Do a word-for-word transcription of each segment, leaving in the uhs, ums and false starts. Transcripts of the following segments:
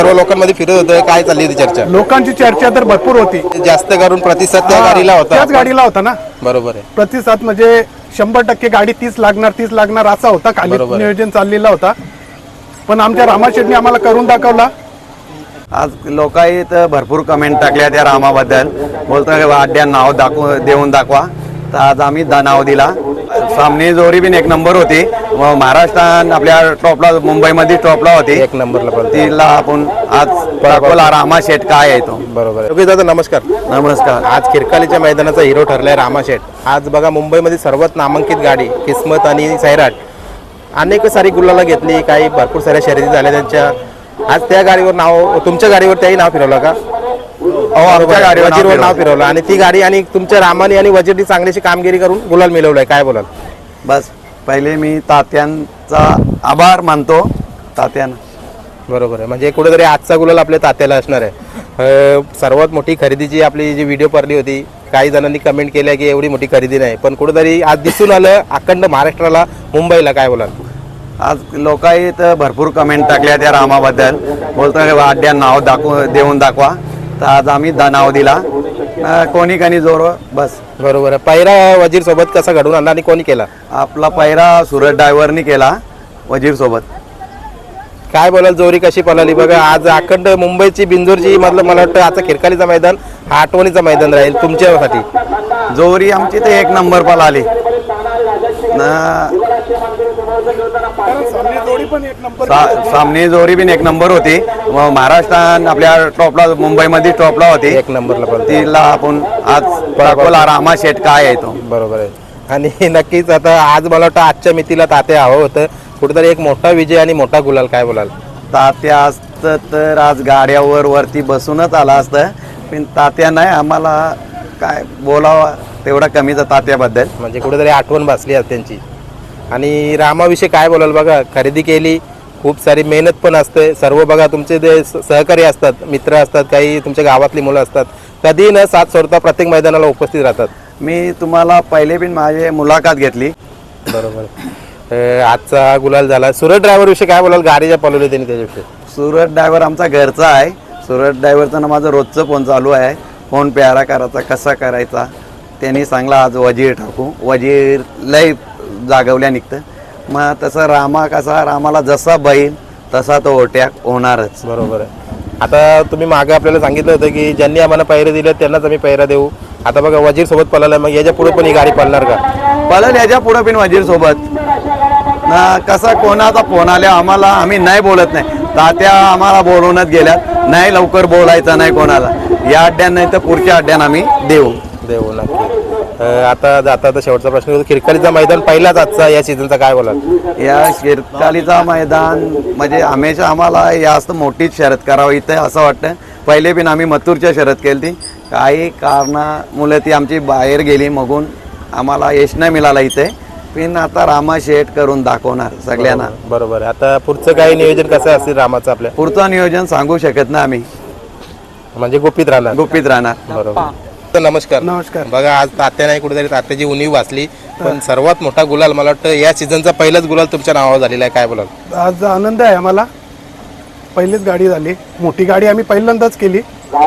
सर्व लोकांमध्ये फिरत होतं, काय चालली होती चर्चा? लोकांची चर्चा तर भरपूर होती, जास्त करून प्रतिसाद त्या गाडीला होता. त्याच गाडीला होता ना. बरोबर आहे. प्रतिसाद म्हणजे शंभर टक्के गाडी तीस लागणार तीस लागणार असा होता, खाली नियोजन चाललेला होता. पण आमच्या रामाशेठने आम्हाला करून दाखवला. आज लोकांनी तर भरपूर कमेंट टाकल्या त्या रामाबद्दल, बोलतो अड्ड्या नाव दाखव देऊन दाखवा. तर आज आम्ही दा नाव दिला. सामने जोरी पण एक नंबर होती. महाराष्ट्रात आपल्या टॉपला, मुंबईमध्ये टॉपला होती, एक नंबरला तिला आपण आज दाखवला रामा शेठ काय आहे तो. बरोबर आहे. दादा नमस्कार. नमस्कार. आज खिरकालीच्या मैदानाचा हिरो ठरलाय रामा शेठ. आज बघा मुंबईमध्ये सर्वात नामांकित गाडी किस्मत आणि सैराट अनेक सारी गुलाला घेतली, काही भरपूर साऱ्या शर्यती झाल्या त्यांच्या. आज त्या गाडीवर नाव, तुमच्या गाडीवर त्याही नाव फिरवलं का? हो, आमच्या गाडीवर वजीरवर नाव फिरवलं. आणि ती गाडी आणि तुमच्या रामाने आणि वजीरनी चांगलीशी कामगिरी करून गुलाल मिळवलाय, काय बोलाल? बस पहिले मी तात्यांचा आभार मानतो. तात्यानं बरोबर आहे. म्हणजे कुठेतरी आजचा गुलाल आपल्या तात्याला असणार आहे. सर्वात मोठी खरेदीची आपली जी व्हिडिओ पडली होती, काही जणांनी कमेंट केल्या की एवढी मोठी खरेदी नाही, पण कुठेतरी आज दिसून आलं अखंड महाराष्ट्राला, मुंबईला, काय बोलाल? आज लोकांनी तर भरपूर कमेंट टाकल्या त्या रामाबद्दल, बोलतो अड्ड्या नाव दाखव देऊन दाखवा. तर आज आम्ही दा नाव दिला. कोणी कणी जोर बस. बरोबर आहे. पैरा वजीर सोबत कसा घडून आणला आणि कोणी केला? आपला पैरा सुरत ड्रायव्हरनी केला वजीर सोबत. काय बोलाल, जोरी कशी पळाली बघा आज अखंड मुंबईची, बिंजोरची, मतलब मला वाटतं आजचा खिरकालीचा मैदान हा आठवणीचा मैदान राहील तुमच्यासाठी. जोरी आमची तर एक नंबर पळाली. सामने जोरी पण एक नंबर होती. महाराष्ट्रात आपल्या टॉपला, मुंबईमध्ये टॉपला होती, एक नंबरला तिला आपण आज दाखवला रामा शेठ काय आहे तो. बरोबर आहे. आणि नक्कीच आता आज मला वाटतं आजच्या मितीला तात्या हवं होतं, कुठेतरी एक मोठा विजय आणि मोठा गुलाल, काय बोलाल? तात्या असतं तर आज गाड्यावर वरती बसूनच आला असतं, पण तात्या नाही. आम्हाला काय बोलावं तेवढा कमीचा तात्याबद्दल. म्हणजे कुठेतरी आठवण बसली आज त्यांची. आणि रामाविषयी काय बोलाल? बघा खरेदी केली, खूप सारी मेहनत पण असते. सर्व बघा तुमचे जे सहकारी असतात, मित्र असतात, काही तुमच्या गावातली मुलं असतात, कधी न साथ सोडता प्रत्येक मैदानाला उपस्थित राहतात. मी तुम्हाला पहिले पण माझी मुलाखत घेतली. बरोबर. आजचा गुलाल झाला. सुरत ड्रायव्हर विषयी काय बोलाल? गाडीच्या पळवली त्यांनी त्याच्याविषयी. सुरत ड्रायव्हर आमचा घरचा आहे. सुरत ड्रायव्हरचं ना माझं रोजचं फोन चालू आहे. फोन प्यारा करायचा, कसा करायचा, त्यांनी सांगला आज वजीर टाकू. वजीर लय जागवल्या निघतं. मग तसं रामा कसा, रामाला जसा बैल तसा तो ओट्याक होणारच. बरोबर आहे. आता तुम्ही मागे आपल्याला सांगितलं होतं की ज्यांनी आम्हाला पैरे दिले त्यांनाच आम्ही पैरा देऊ. आता बघा वजीर सोबत पळाला, मग याच्या पुढे पण ही गाडी पळणार का? पळेल याच्या पुढे पण वजीर सोबत. ना कसा कोणाचा फोन आल्या आम्हाला, आम्ही नाही बोलत नाही. तात्या आम्हाला बोलवूनच गेल्यात, नाही लवकर बोलायचं नाही कोणाला. या अड्ड्यान नाही तर पुढच्या अड्ड्यान आम्ही देऊ देऊ नक्की. आता जाता आता शेवटचा प्रश्न होतो, खिरकालीचा मैदान पहिलाच आजचा या सीझनचा, काय बोलाल? या खिरकालीचा मैदान म्हणजे हमेशा आम्हाला जास्त मोठीच शर्यत करावं इथे असं वाटतं. पहिले पण आम्ही मथुरच्या शर्यत केली ती, काही कारणामुळे ती आमची बाहेर गेली, मगून आम्हाला यश नाही मिळाला इथे. पण आता रामा शेठ करून दाखवणार सगळ्यांना. बरोबर. आता पुढचं काही नियोजन कसं असेल रामाचं आपल्या? पुढचं नियोजन सांगू शकत नाही आम्ही, म्हणजे गुपित राहणार. गुपित राहणार. बरोबर. नमस्कार. नमस्कार. बघा आज तात्या नाही, कुठेतरी तात्याची उणीव वाचली, पण सर्वात मोठा गुलाल मला वाटतं या सीझनचा पहिलाच गुलाल तुमच्या नावावर झालेला आहे, काय बोलाल? आज आनंद आहे आम्हाला. पहिलीच गाडी झाली, मोठी गाडी आम्ही पहिल्यांदाच केली.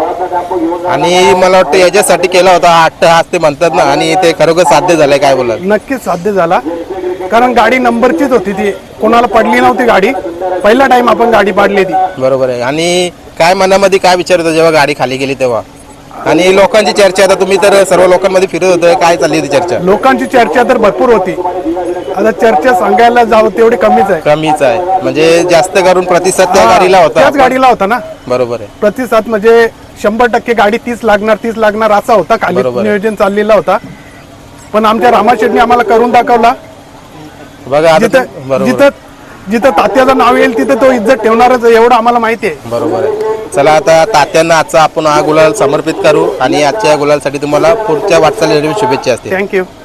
आणि मला वाटतं याच्यासाठी केला होता आठ हात ते म्हणतात ना, आणि ते खरोखर साध्य झालंय, काय बोलाल? नक्कीच साध्य झाला, कारण गाडी नंबरचीच होती, ती कोणाला पडली नव्हती गाडी. पहिला टाइम आपण गाडी पाडली ती. बरोबर आहे. आणि काय मनामध्ये काय विचार होता जेव्हा गाडी खाली गेली तेव्हा? आणि लोकांची चर्चा, आता तुम्ही तर सर्व लोकांमध्ये फिरत होतं, काय चालली होती चर्चा? लोकांची चर्चा तर भरपूर होती. आता चर्चा सांगायला जावं तेवढी कमीच आहे. कमीच आहे. म्हणजे जास्त करून प्रतिसाद त्या गाडीला होता, त्याच गाडीला होता ना. बरोबर आहे. प्रतिसाद म्हणजे शंभर टक्के गाडी तीस लागणार तीस लागणार असा होता, खाली नियोजन चाललेला होता. पण आमच्या रामाशेठने आम्हाला करून दाखवला. बघा जिथं जिथं जिथं तात्याचं नाव येईल तिथं तो इज्जत ठेवणारच, एवढं आम्हाला माहिती आहे. बरोबर आहे. चला आता तात्यांना आजचा आपण हा गुलाल समर्पित करू, आणि आजच्या गुलालसाठी तुम्हाला पुढच्या वाटचालीसाठी शुभेच्छा असतील. थँक्यू.